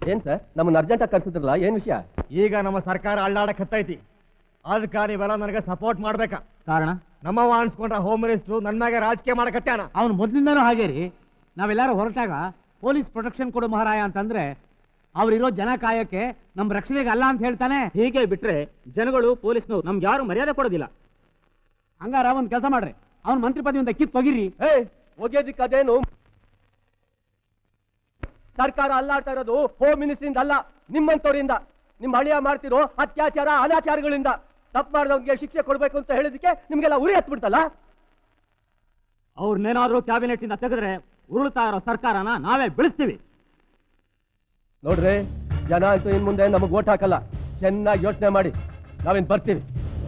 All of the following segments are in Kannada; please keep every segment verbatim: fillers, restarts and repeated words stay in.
ಏನ್ ಸರ್ ನಮ್ಮನ್ನ ಅರ್ಜೆಂಟಾಗಿ ಕರ್ಸಿದ್ರಲ್ಲ ಏನ್ ವಿಷಯ? ಈಗ ನಮ್ಮ ಸರ್ಕಾರ ಅಳ್ಳಾಡಕ್ ಹತ್ತೈತಿ, ಅದಕ್ಕೆ ನೀವೆಲ್ಲ ನನಗೆ ಸಪೋರ್ಟ್ ಮಾಡ್ಬೇಕಾ? ಕಾರಣ ನಮ್ಮವ ಅನ್ಸ್ಕೊಂಡ್ರ ಹೋಮ್ ಮಿನಿಸ್ಟ್ರು ನನ್ನಾಗೆ ರಾಜಕೀಯ ಮಾಡಕತ್ತಾನ. ಅವ್ನು ಮೊದಲಿಂದನೂ ಹಾಗೇ ರೀ. ನಾವೆಲ್ಲರೂ ಹೊರಟಾಗ ಪೊಲೀಸ್ ಪ್ರೊಟೆಕ್ಷನ್ ಕೊಡು ಮಹಾರಾಯ ಅಂತಂದ್ರೆ ಅವ್ರಿರೋ ಜನ ಕಾಯಕ್ಕೆ ನಮ್ಮ ರಕ್ಷಣೆಗೆ ಅಲ್ಲ ಅಂತ ಹೇಳ್ತಾನೆ. ಹೀಗೆ ಬಿಟ್ರೆ ಜನಗಳು ಪೊಲೀಸ್ನವ್ರು ನಮ್ಗೆ ಯಾರು ಮರ್ಯಾದೆ ಕೊಡೋದಿಲ್ಲ. ಹಂಗಾರ ಒಂದು ಕೆಲಸ ಮಾಡ್ರಿ, ಅವ್ನ ಮಂತ್ರಿ ಪದವಿಯಿಂದ ಕಿತ್ತು ಹೋಗಿರಿ. ಏ ಒಗೆದಿಕ್ಕದೇನು? ಸರ್ಕಾರ ಅಲ್ಲಾಡ್ತಾ ಇರೋದು ಹೋಮ್ ಮಿನಿಸ್ಟ್ರಿಂದ ಅಲ್ಲ, ನಿಮ್ಮಂತವರಿಂದ. ನಿಮ್ಮ ಅಳಿಯ ಮಾಡ್ತಿರೋ ಅತ್ಯಾಚಾರ ಅನಾಚಾರಗಳಿಂದ. ತಪ್ಪು ಮಾಡಿದವ್ರಿಗೆ ಶಿಕ್ಷೆ ಕೊಡ್ಬೇಕು ಅಂತ ಹೇಳಿದಕ್ಕೆ ನಿಮ್ಗೆಲ್ಲ ಉರಿ ಹತ್ಬಿಡ್ತಲ್ಲ. ಅವ್ರನ್ನೇನಾದ್ರೂ ಕ್ಯಾಬಿನೆಟ್ ಇಂದ ತೆಗೆದ್ರೆ ಉರುಳ್ತಾ ಇರೋ ಸರ್ಕಾರನ ನಾವೇ ಬೆಳೆಸ್ತೀವಿ. ನೋಡ್ರಿ, ಜನ ಅಂತೂ ಇನ್ ಮುಂದೆ ನಮಗ್ ಓಟ್ ಹಾಕಲ್ಲ. ಚೆನ್ನಾಗಿ ಯೋಚನೆ ಮಾಡಿ, ನಾವೇನ್ ಬರ್ತೀವಿ.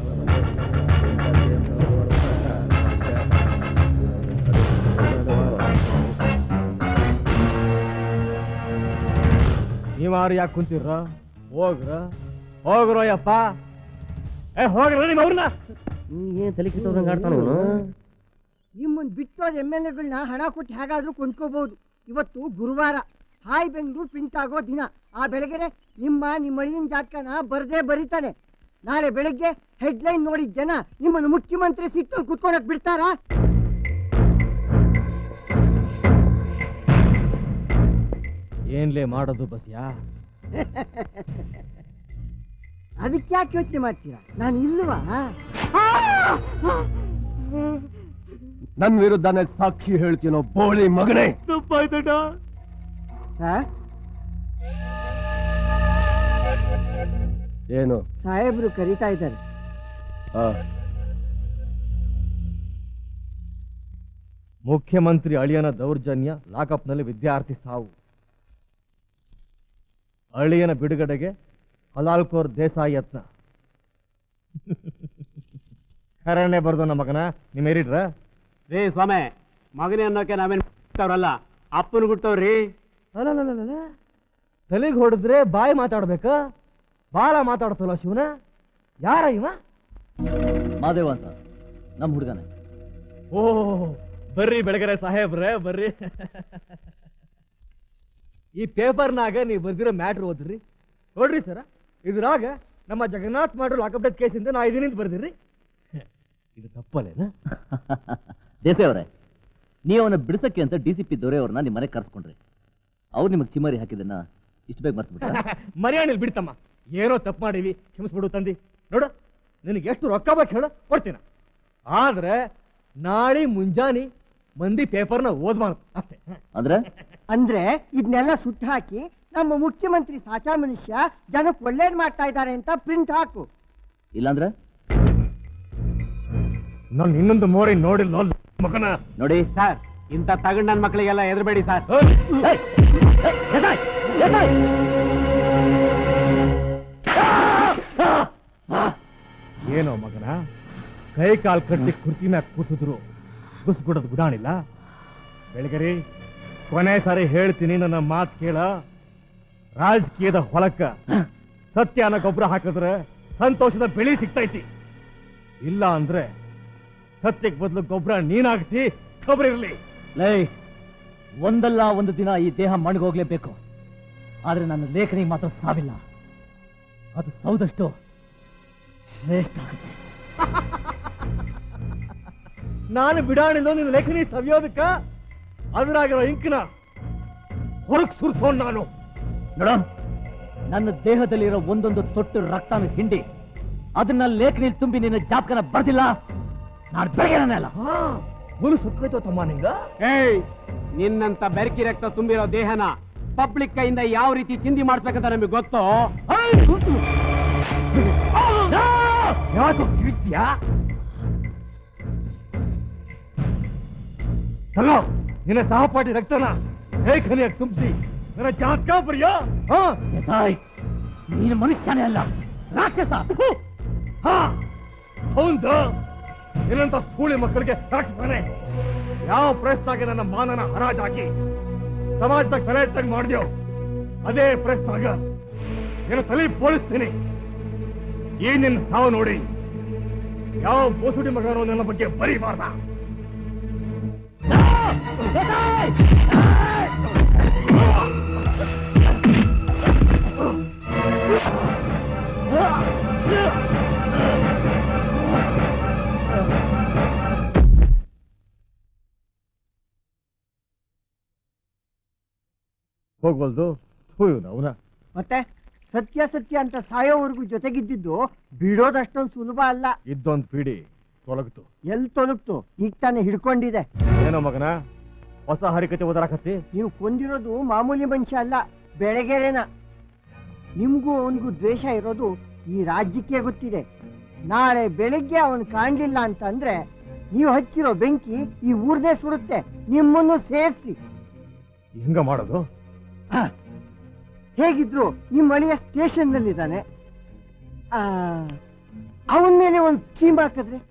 ನೀವಾರು ಯಾಕೆ ಕುಂತಿರ್ರ? ಹೋಗ್ರ ಹೋಗ್ರೋ ಯಪ್ಪ. ಏ ಹೋಗ್ರ ನಿಮ್ಮ ಅವ್ರನ್ನ. ಏನ್ ತಲೆ ಕಿತ್ತವ್ರಂಗ ಆಡ್ತಾನ ಇವನು. ನಿಮ್ಮನ್ನು ಬಿಟ್ಟೋದ ಎಮ್ ಎಲ್ ಎಗಳನ್ನ ಹಣ ಕೊಟ್ಟು ಹೇಗಾದ್ರೂ ಕೊಂಡ್ಕೋಬಹುದು. ಇವತ್ತು ಗುರುವಾರ, ಹಾಯ್ ಬೆಂಗಳೂರು ಪ್ರಿಂಟ್ ಆಗೋ ದಿನ. ಆ ಬೆಳಗ್ಗೆ ನಿಮ್ಮ ನಿಮ್ಮ ಅಳಿಯನ ಜಾತಕನ ಬರ್ದೇ ಬರೀತಾನೆ. ನಾಳೆ ಬೆಳಗ್ಗೆ ಹೆಡ್ಲೈನ್ ನೋಡಿದ ಜನ ನಿಮ್ಮನ್ನು ಮುಖ್ಯಮಂತ್ರಿ ಸಿಟ್ಟಲ್ಲಿ ಕುತ್ಕೊಳಕ್ ಬಿಡ್ತಾರಾ? ಏನ್ಲೇ ಮಾಡೋದು ಬಸ್ಯಾ? ಅದಕ್ಕೆ ಯಾಕೆ ಯೋಚನೆ ಮಾಡ್ತೀರಾ? ನಾನು ಇಲ್ವಾ? ನನ್ನ ವಿರುದ್ಧನೇ ಸಾಕ್ಷಿ ಹೇಳ್ತೀನೋ ಬೋಳಿ ಮಗನೇ. ತಪ್ಪಾಯ್ತಟ ಏನು? ಸಾಹೇಬ್ರು ಕರೀತಾ ಇದ್ದಾರೆ. ಮುಖ್ಯಮಂತ್ರಿ ಅಳಿಯನ ದೌರ್ಜನ್ಯ, ಲಾಕಪ್ನಲ್ಲಿ ವಿದ್ಯಾರ್ಥಿ ಸಾವು. ಅಳಿಯನ ಬಿಡುಗಡೆಗೆ ಹಲಾಲ್ಕೋರ್ ದೇಸಾಯಿ ಯತ್ನ. ಕರಣೆ ಬರ್ದು ನಮ್ಮ ಮಗನ ನಿಮ್ಮ ಏರಿಡ್ರ. ರೇ ಸ್ವಾಮಿ, ಮಗನೇ ಅನ್ನೋಕೆ ನಾವೇನಲ್ಲ, ಅಪ್ಪನ ಬಿಟ್ಟವ್ರಿ. ಅಲ್ಲ, ತಲೆಗೆ ಹೊಡೆದ್ರೆ ಬಾಯಿ ಮಾತಾಡ್ಬೇಕ? ಬಾಳ ಮಾತಾಡ್ತಲ್ಲ ಶಿವನ. ಯಾರ ಇವ? ಮಾದೇವ ಅಂತ ನಮ್ಮ ಹುಡುಗನೇ. ಓ ಬರ್ರಿ ಬೆಳಗರೆ ಸಾಹೇಬ್ರೆ ಬರ್ರಿ. ಈ ಪೇಪರ್ನಾಗ ನೀವು ಬರ್ದಿರೋ ಮ್ಯಾಟ್ರ್ ಓದ್ರಿ. ನೋಡ್ರಿ ಸರ, ಇದ್ರಾಗ ನಮ್ಮ ಜಗನ್ನಾಥ್ ಮಾಡ್ರು ಲಾಕಪ್ ಡೆತ್ ಕೇಸಿಂದ ನಾ ಇದೀನಿ ಅಂತ ಬರ್ದಿರಿ. ಇದು ತಪ್ಪಲ್ಲೇನ? ದೇಸಾಯಿ ಅವರೇ, ನೀವು ಅವನ್ನ ಬಿಡಿಸಕ್ಕೆ ಅಂತ ಡಿ ಸಿ ಪಿ ದೊರೆಯವ್ರನ್ನ ನಿಮ್ಮ ಮನೆಗೆ ಕರ್ಸ್ಕೊಂಡ್ರಿ. ಅವ್ರು ನಿಮಗೆ ಚಿಮಾರಿ ಹಾಕಿದನ್ನ ಇಷ್ಟು ಬೇಗ ಮರ್ತು ಬಿಟ್ಟ? ಮರ್ಯಾಣಿಲ್ ಬಿಡ್ತಮ್ಮ, ಏನೋ ತಪ್ಪು ಮಾಡೀವಿ, ಕ್ಷಮಿಸ್ಬಿಡು ತಂದಿ. ನೋಡು, ನಿನಗೆ ಎಷ್ಟು ರೊಕ್ಕ ಬೇಕು ಹೇಳು, ಕೊಡ್ತೀನ. ಆದ್ರೆ ನಾಳೆ ಮುಂಜಾನೆ ಮಂದಿ ಪೇಪರ್ನ ಓದ್ಬಾರ್ದು ಅಷ್ಟೇ. ಅಂದ್ರೆ ಅಂದ್ರೆ ಇದನ್ನೆಲ್ಲ ಸುಟ್ಟು ಹಾಕಿ ನಮ್ಮ ಮುಖ್ಯಮಂತ್ರಿ ಸಾಚಾ ಮನುಷ್ಯ ಜನಕ್ಕೆ ಒಳ್ಳೇದ್ ಮಾಡ್ತಾ ಇದ್ದಾರೆ ಅಂತ ಪ್ರಿಂಟ್ ಹಾಕು. ಇಲ್ಲಾಂದ್ರೆ ನಾನು ಇನ್ನೊಂದು ಮೋರಿ ನೋಡಿಲ್ಲ ಮಗನ. ನೋಡಿ ಸರ್, ಇಂಥ ತಗೊಂಡ್ ನನ್ನ ಮಕ್ಕಳಿಗೆಲ್ಲ ಎದುರಬೇಡಿ ಸರ್. ಏನೋ ಮಗನ, ಕೈ ಕಾಲ್ ಕಟ್ಟಿ ಕುರ್ಚಿ ಮ್ಯಾಗ ಕೂಸಿದ್ರು ಕುಸ್ಬಿಡೋದು ಗುಡಾಣಿಲ್ಲ. ಬೆಳಗರಿ ಕೊನೆ ಸಾರಿ ಹೇಳ್ತೀನಿ, ನನ್ನ ಮಾತು ಕೇಳ. ರಾಜಕೀಯದ ಹೊಲಕ್ಕ ಸತ್ಯನ ಗೊಬ್ಬರ ಹಾಕಿದ್ರೆ ಸಂತೋಷದ ಬೆಳೆ ಸಿಗ್ತೈತಿ. ಇಲ್ಲ ಅಂದ್ರೆ ಸತ್ಯಕ್ಕೆ ಬದಲು ಗೊಬ್ಬರ ನೀನಾಗ್ತಿ. ಖಬರ್ ಇರಲಿ. ಲೈ, ಒಂದಲ್ಲ ಒಂದು ದಿನ ಈ ದೇಹ ಮಣ್ಗೋಗ್ಲೇಬೇಕು. ಆದ್ರೆ ನನ್ನ ಲೇಖನಿಗೆ ಮಾತ್ರ ಸಾವಿಲ್ಲ. ಅದು ಸೌದಷ್ಟು ಶ್ರೇಷ್ಠ ಆಗುತ್ತೆ. ನಾನು ಬಿಡಾಣಿಲ್ಲ ನಿನ್ನ ಲೇಖನಿ ಸವಿಯೋದಕ್ಕ. ಅದ್ರಾಗಿರೋ ಇಂಕ್ನ ಹೊರಗ್ ಸುರ್ಸೋನ್ ನಾನು. ನೋಡ, ನನ್ನ ದೇಹದಲ್ಲಿರೋ ಒಂದೊಂದು ತೊಟ್ಟು ರಕ್ತನ ಹಿಂಡಿ ಅದನ್ನ ಲೇಖನಿ ತುಂಬಿ ನಿನ್ನ ಜಾತಕನ ಬರ್ದಿಲ್ಲ, ನಾನು ಬೆಳಗ್ಗೆ ಅಲ್ಲ. ಮುರು ಸುಕ್ಕೈತೋ ತಮ್ಮ ನಿಂಗ. ಏಯ್, ನಿನ್ನಂತ ಬೆರಕಿ ರಕ್ತ ತುಂಬಿರೋ ದೇಹನ ಪಬ್ಲಿಕ್ ಕೈಯಿಂದ ಯಾವ ರೀತಿ ಚಿಂದಿ ಮಾಡ್ಬೇಕಂತ ನಮಗೆ ಗೊತ್ತೋ. ಯಾಕೋ ಕಿವಿತ್ಯಾ? ತಗೋ ನಿನ್ನ ಸಹಪಾಠಿ ರಕ್ತನ ಲೇಖನಿಯಾಗಿ ತುಂಬಿಸಿ ನನ್ನ ಜಾತಕ ಬರೆಯೋ. ನೀನು ಮನುಷ್ಯನೇ ಅಲ್ಲ, ರಾಕ್ಷಸ. ಹೌದು, ಏನಂತ ಸ್ಕೂಳಿ ಮಕ್ಕಳಿಗೆ ರಾಕ್ಷಸನೇ. ಯಾವ ಪ್ರಯತ್ನಾಗೆ ನನ್ನ ಮಾನನ ಹರಾಜಾಕಿ ಸಮಾಜದಾಗ ತಲೆ ಎತ್ತಂಗ್ ಮಾಡಿದ್ಯೋ, ಅದೇ ಪ್ರಯತ್ನಾಗ ಏನು ತಲೆ ಬೋಳಿಸ್ತೀನಿ. ಈ ನಿನ್ನ ಸಾವು ನೋಡಿ ಯಾವ ಬೋಸುಡಿ ಮಗನೋ ನನ್ನ ಬಗ್ಗೆ ಬರೀಬಾರ್ದ. ಹೋಗ್ವಲ್ದು ಅವನ ಮತ್ತೆ ಸತ್ಯ ಸತ್ಯ ಅಂತ ಸಾಯೋವರೆಗೂ ಜೊತೆಗಿದ್ದಿದ್ದು ಬಿಡೋದಷ್ಟೊಂದು ಸುಲಭ ಅಲ್ಲ. ಇದ್ದೊಂದು ಪೀಡಿ ತೊಲಗ್ತು. ಎಲ್ಲಿ ತೊಲಗ್ತು? ಈಗ ತಾನೇ ಹಿಡ್ಕೊಂಡಿದೆ. ಏನೋ ಮಗನ ಹೊಸ ಹರಿಕತೆ ಓದಾರಕತ್ತಿ? ನೀವು ಕೊಂದಿರೋದು ಮಾಮೂಲಿ ಮನುಷ್ಯ ಅಲ್ಲ, ಬೆಳಗೆರೆನ. ನಿಮ್ಗೂ ಅವನಿಗೂ ದ್ವೇಷ ಇರೋದು ಈ ರಾಜ್ಯಕ್ಕೆ ಗೊತ್ತಿದೆ. ನಾಳೆ ಬೆಳಿಗ್ಗೆ ಅವನು ಕಾಣ್ಲಿಲ್ಲ ಅಂತ ಅಂದ್ರೆ ನೀವು ಹಚ್ಚಿರೋ ಬೆಂಕಿ ಈ ಊರ್ನೇ ಸುಡುತ್ತೆ, ನಿಮ್ಮನ್ನು ಸೇರಿಸಿ. ಹೆಂಗ ಮಾಡೋದು? ಹೇಗಿದ್ರು ನಿಮ್ಮ ಅಳಿಯ ಸ್ಟೇಷನ್ ನಲ್ಲಿದ್ದಾನೆ. ಅವನ ಮೇಲೆ ಒಂದು ಸ್ಕೀಮ್ ಹಾಕಿದ್ರೆ